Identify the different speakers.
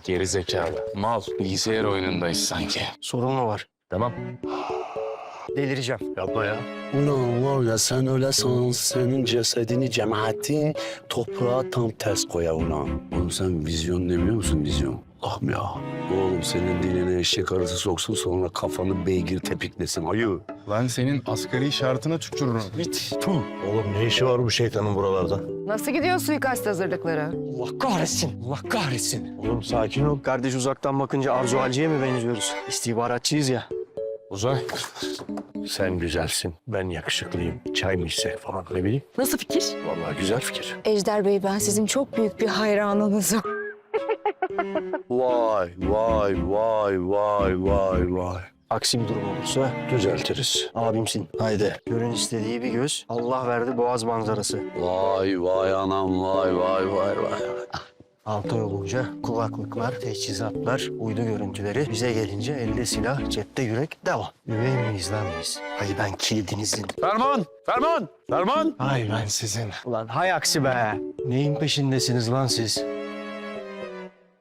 Speaker 1: Geri zekalı. Mal. Bilgisayar oyunundayız sanki.
Speaker 2: Sorun mu var?
Speaker 3: Tamam.
Speaker 2: Delireceğim.
Speaker 3: Yapma ya.
Speaker 4: Ulan var ya sen öyle san, senin cesedini cemaatin toprağa tam ters koya ulan. Oğlum sen vizyon demiyor musun vizyon? Allah'ım ya. Oğlum senin diline eşek arısı soksun sonra kafanı beygir tepiklesin ayı.
Speaker 1: Lan senin asgari şartına tükürürüm.
Speaker 3: Oğlum ne işi var bu şeytanın buralarda?
Speaker 5: Nasıl gidiyor suikast hazırlıkları?
Speaker 2: Allah kahretsin. Allah kahretsin.
Speaker 3: Oğlum sakin ol.
Speaker 2: Kardeş uzaktan bakınca Arzu Halci'ye mi benziyoruz? İstihbaratçıyız ya.
Speaker 1: Uzay.
Speaker 3: Sen güzelsin. Ben yakışıklıyım. Çay mı içsek falan ne bileyim.
Speaker 5: Nasıl fikir?
Speaker 3: Vallahi güzel fikir.
Speaker 5: Ejder Bey, ben sizin çok büyük bir hayranınızım.
Speaker 4: Vay vay vay vay vay vay.
Speaker 2: Aksi bir durum olursa
Speaker 3: Düzeltiriz.
Speaker 2: abimsin.
Speaker 3: Haydi.
Speaker 2: Görün istediği bir göz. Allah verdi boğaz manzarası.
Speaker 4: Vay vay anam vay vay vay vay.
Speaker 2: 6 ay olunca kulaklıklar, teçhizatlar, uydu görüntüleri. Bize gelince elde silah, cepte yürek, devam. Üvey miyiz lan biz? Hay ben kilidinizin.
Speaker 1: Ferman! Ferman! Ferman!
Speaker 2: Hay ben sizin. Ulan hay aksi be. Neyin peşindesiniz lan siz?